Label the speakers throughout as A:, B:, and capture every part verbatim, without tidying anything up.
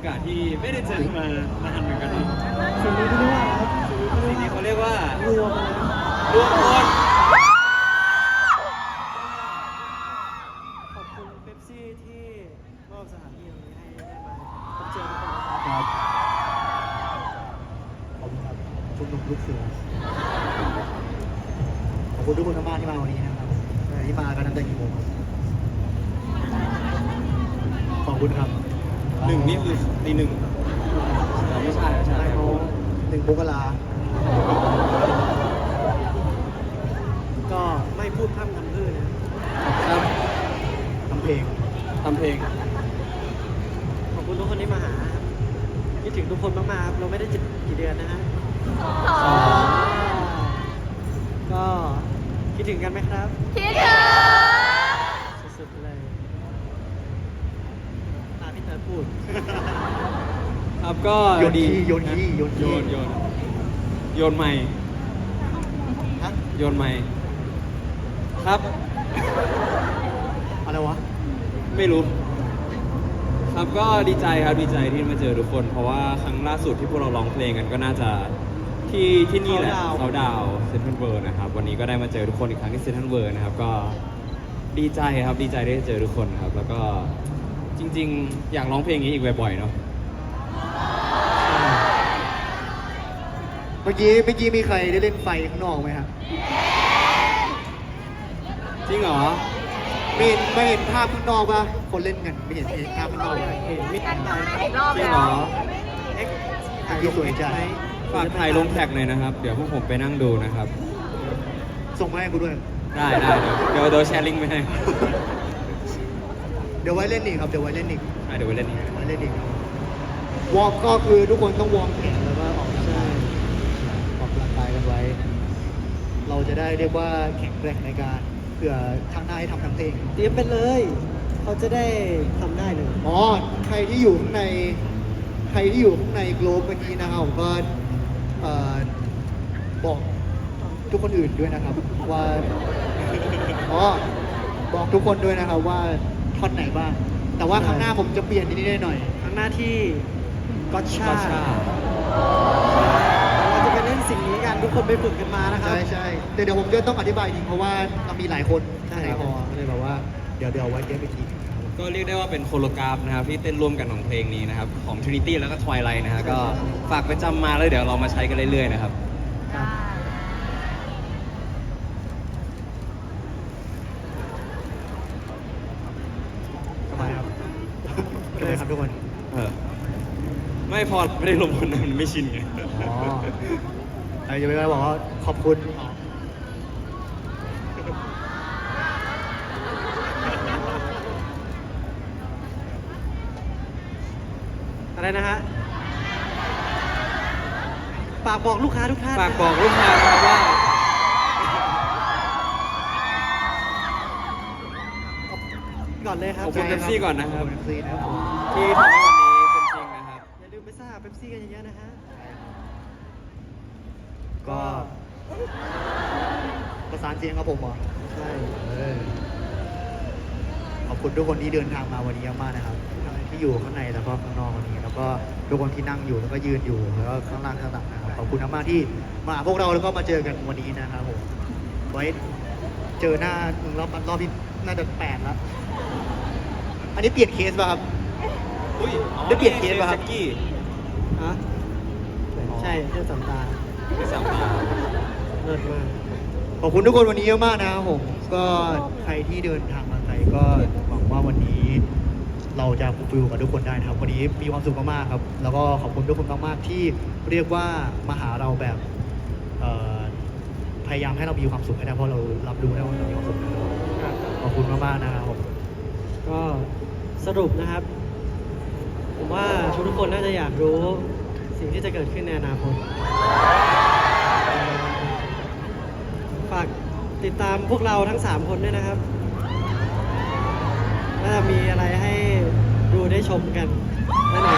A: ากาศที่ไม่ได้เจอมานานเหมือนกันเนาะ
B: สิ่งนี้ที่เรียกว่าครับ
A: สิ่งนี้เขาเรียกว่าร
B: วมนะ
A: รวมคน
B: ขอบคุณเป๊ปซี่ที่มอบสถานที่ตรงนี้ให้ได้มาพบเจอทุกคนนะครับ
C: ขอบคุณครับชุมนุมลูกเสือขอบคุณทุกคนมากๆที่มาวันนี้นะครับที่มากันตั้งแต่กี่โมงครับขอบคุณครับ
A: หนึ่งนี่คือตีหนึ่งไม่ใช่ไม่ใช่
C: ได้เขาหนึ่งมกรา
B: ก็ไม่พูดพร่ำทำเพรื่อนะครับ
C: ทำเพลง
A: ทำเพลง
B: ขอบคุณทุกคนที่มาหาครับคิดถึงทุกคนมากๆครับเราไม่ได้เจอกี่เดือนนะฮะก็คิดถึงกันไหมครับ
D: คิดถึง
B: สุดๆเลยตามที่เธอพูด
A: ครับก็
C: โยน
A: ดี
C: ขี้โยนขี้โยน
A: โย
C: ขี้
A: นโยนโยนไม่
C: ฮะ
A: โยนไม่ครับ
C: อะไรวะ
A: ไม่รู้ ครับก็ดีใจครับดีใจที่มาเจอทุกคน เพราะว่าครั้งล่าสุดที่พวกเราร้องเพลงกันก็น่าจะที่ที่นี่แหละ
B: Countdown
A: เขาดาวเซนทรัลเวิร์นะครับวันนี้ก็ได้มาเจอทุกคนอีกครั้งที่เซนทรัลเวิร์นะครับก็ดีใจครับดีใจได้เจอทุกคนครับ แล้วก็จริง ๆ อยากร้องเพลงนี้อีกบ่อยๆเนาะ
C: เมื่อกี้เมื่อกี้มีใครได้เล่นไฟข้างนอกไหมครับ
A: จริงเหรอ
C: ไม่เห็นไม่เห็นภาพข้างนอกป่ะคนเล่นกันไม่เห็นเห็นภาพข้างนอกป่ะ
B: เห็นมิด
D: กัน
B: ไล
D: มา
B: น์
D: อีกรอบ
A: จริง
D: แล้
A: เหร
D: ว
A: อ
B: เอ็กซ์
C: ถ่ายรูปสวยจัง
A: ฝากถ่ายลงแท็กเลยนะครับ เดี๋ยวพวกผมไปนั่งดูนะครับ
C: ส่งมาให้กูด้วย
A: ได้ได้เดี๋ยวเดี๋ยวเดี๋ยวแชร์ลิงก์ไปให้
C: เดี๋ยวไว้เล่นอีกครับ เดี๋ยวไว้เล่นอีก
A: อ่ะเดี๋ยวไปเล่นนี้
C: ไว้เล่นอีกวอร์มก็คือทุกคนต้องวอร์มแขนแล้วก็ออกกำลัง
B: ใช่
C: กายออกกำลังกายกันไว้ เราจะได้เรียกว่าแข็งแกร่งในการเผื่อทางหน้าให้ทำทั้งเพลง
B: เตรียมไปเลย เขาจะได้ทำได้เลย
C: อ๋อ ใครที่อยู่ข้างใน ใครที่อยู่ข้างในโกลบเมื่อกี้นะครับผมก็เอ่อบอกทุกคนอื่นด้วยนะครับ ว่า อ๋อ บอกทุกคนด้วยนะครับว่าท่อนไหนบ้าง แต่ว่าครั้งหน้าผมจะเปลี่ยนนิดๆหน่อย
B: ทั้งหน้าที่ก็ชา
A: ก็ชา
B: เราจะไปเล่นสิ่งนี้กันทุกคนไปฝึกกันมานะ
C: ๆ
B: ครับ
C: ใช่ใช่แต่เดี๋ยวผมจะต้องอธิบายจริงเพราะว่าเรามีหลายคน
B: ใช่
C: หลายพอก็เลยแบบว่าเดี๋ยวเดี๋ยวไว้เดี๋ยวไปทีครับ
A: ก็เรียกได้ว่าเป็นโคโลกราฟนะครับที่เต้นร่วมกันของเพลงนี้นะครับ ของ Trinity แล้วก็ Twilight นะฮะก็ฝากไปจำมาแล้วเดี๋ยวเรามาใช้กันเรื่อยๆนะครับ
C: สบายครับสบายครับทุกคน
A: เออ ไม่พอไม่ได้ลงคนนั้นมันไม่ชินไง
C: อ๋อไอ้จะไม่ได้บอกว่าขอบคุณ
B: อะไรนะฮะฝากบอกลูกค้าทุกท่าน
A: ฝากบอกลูกค้านะครับว่า
B: ก่อนเลยครับ
A: ขอบคุณ Pepsi ก่อนนะครับ
C: ขอบคุณ Pepsi นะครับผม
A: ที่ทำให้วันนี้เป็นจริงนะครับ
B: อย่าลืมไปซ่าเป๊ปซี่กันเยอะๆนะฮะ
C: ก็ประสานเสียงครับผมเหรอ
B: ใช่
C: เออขอบคุณทุกคนที่เดินทางมาวันนี้มากๆนะครับทั้งที่อยู่ข้างในแล้วก็ข้างนอกวันนี้ แล้วก็ทุกคนที่นั่งอยู่แล้วก็ยืนอยู่แล้วก็ข้างล่างข้างหลังนะครับขอบคุณมากๆที่มาหาพวกเราแล้วก็มาเจอกันวันนี้นะครับผมไว้เจอหน้ามึงรอบรอบที่น่าจะแปดแล้วอันนี้เปลี่ยนเคสป่ะครับ
A: อุ้ยอ๋อ
C: ได้เปลี่ยนเคสป่ะครับ
A: แจ็คกี้
B: ฮะใช่เที่ยวสามตา
A: ไม่สามตา
B: เลิศมาก
C: ขอบคุณทุกคนวันนี้เยอะมากนะครับผมก็ใครที่เดินทางมาไกลก็หวังว่าวันนี้ เราจะฟูลฟิลกับทุกคนได้นะครับวันนี้มีความสุขมากๆครับ แล้วก็ขอบคุณทุกคนมากๆที่เรียกว่ามาหาเราแบบเอ่อพยายามให้เรามีความสุขให้ได้เพราะเรารับรู้ได้ว่าเรามีความสุขนะครับขอบคุณมากๆนะครับผม
B: ก็สรุปนะครับ ผมว่าทุกๆคนน่าจะอยากรู้สิ่งที่จะเกิดขึ้นในอนาคตฝากติดตามพวกเราทั้งสามคนด้วยนะครับน่าจะมีอะไรให้ดูได้ชมกันแน่นอน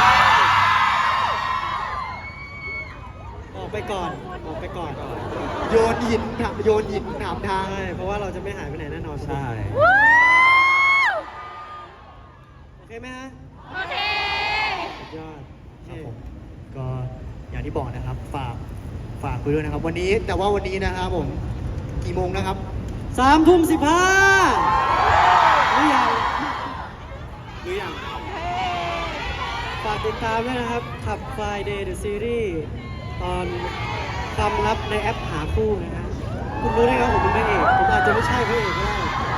B: ออกไปก่อนออกไปก่อน
C: โยนหินถามโยนหินถามทาง
B: ใช่เพราะว่าเราจะไม่หายไปไหนแน่นอน
A: ใช่
B: โอเคไหมฮะ
D: โอเค
B: ยอด
C: ครับผมก็อย่างที่บอกนะครับ ฝากฝากไปด้วยนะครับ วันนี้แต่ว่าวันนี้นะครับผมกี่โมงนะครับ
B: สามทุ่มสิบห้าหรือยัง
A: หรือยัง
B: ฝากติดตามด้วยนะครับขับ Friday the Series ตอนความลับในแอปหาคู่นะฮะคุณรู้ได้ไงว่าผมเป็นพระเอกผมอาจจะไม่ใช่พระเอกก็ได้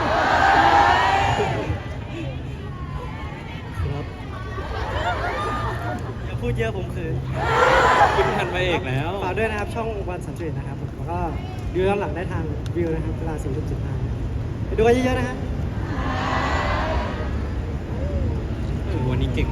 B: ครับอย่าพูดเยอะผมเขิน
A: ขึ้นทันไปเอกแล้ว
B: ฝากด้วยนะครับ ช่องวันสันตินะครับผมแล้วก็ดูย้อนหลังได้ทางวิวนะครับเวลาสี่ทุ่มสิบห้าไปดูกันเยอะๆนะฮะ
A: เออวันนี้เก่ง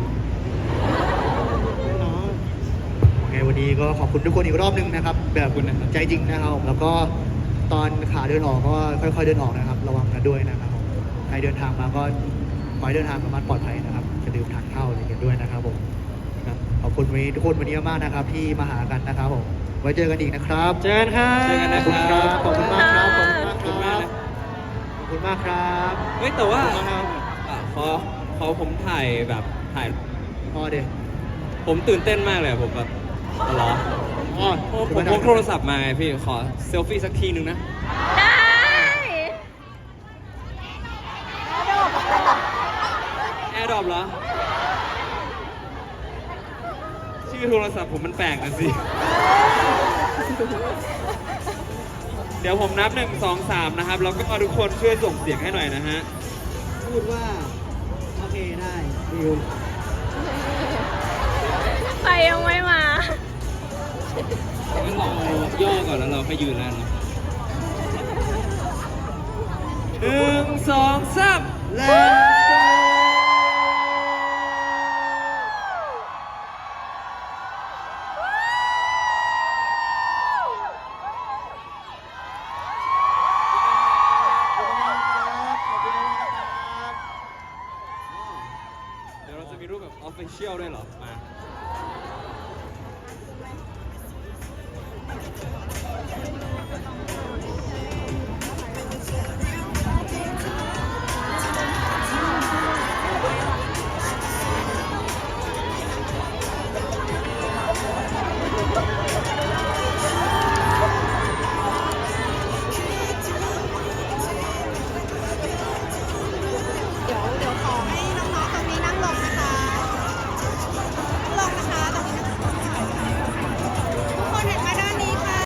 B: น้อง
C: โอเควันนี้ก็ขอบคุณทุกคนอีกรอบหนึงนะครับ แบบ
A: ขอบคุณนะครับ
C: ใจจริงนะครับผมแล้วก็ตอนขาเดินออกก็ค่อยๆเดินออกนะครับ ระวังกันด้วยนะครับผมใครเดินทางมาก็ขอให้เดินทางประมาณปลอดภัยนะครับจะดื่มทานข้าวอะไรกันด้วยนะครับผมครับขอบคุณวันนี้ทุกคนวันนี้มากๆนะครับ ที่มาหากันนะครับผมไว้เจอกันอีกนะครับ
B: เจอกันครับ
A: เจอกันนะ
C: ขอบคุณครับขอบคุณมากครับขอบ
A: ขอบ
C: คุ
A: คุณ ณ
C: มาม
A: าก ก
C: ค
A: นะ
C: รับขอบคุณมากครับ
A: เฮ้ยแต่ว่า
C: ขอบคุณครับ
A: อ่ะขอขอผมถ่ายแบบถ่าย
C: พอเดี๋ยว
A: ผมตื่นเต้นมากเลยอะผมแบบอ๋อเหรอ
C: อ๋อ
A: โอ้ผมพกโทรศัพท์มาไงพี่ขอเซลฟี่สักทีหนึ่งนะ
D: ได้
A: แอร์ดรอปเหรอ ชื่อโทรศัพท์ผมมันแปลกนะสิ เดี๋ยวผมนับหนึ่งสองสามนะครับ แล้วก็ทุกคนช่วยส่งเสียงให้หน่อยนะฮะ
B: พูดว่า โอเคได้วิว
D: ใครยังไม่มา
A: งั้นเราย่อก่อนแล้วเราค่อยยืนแล้วเนอะหนึ่งสองสาม
C: Let's go ขอบคุณมากครับขอบคุณมากครับ
A: เดี๋ยวเราจะมีรูปแบบออฟฟิเชียลด้วยเหรอ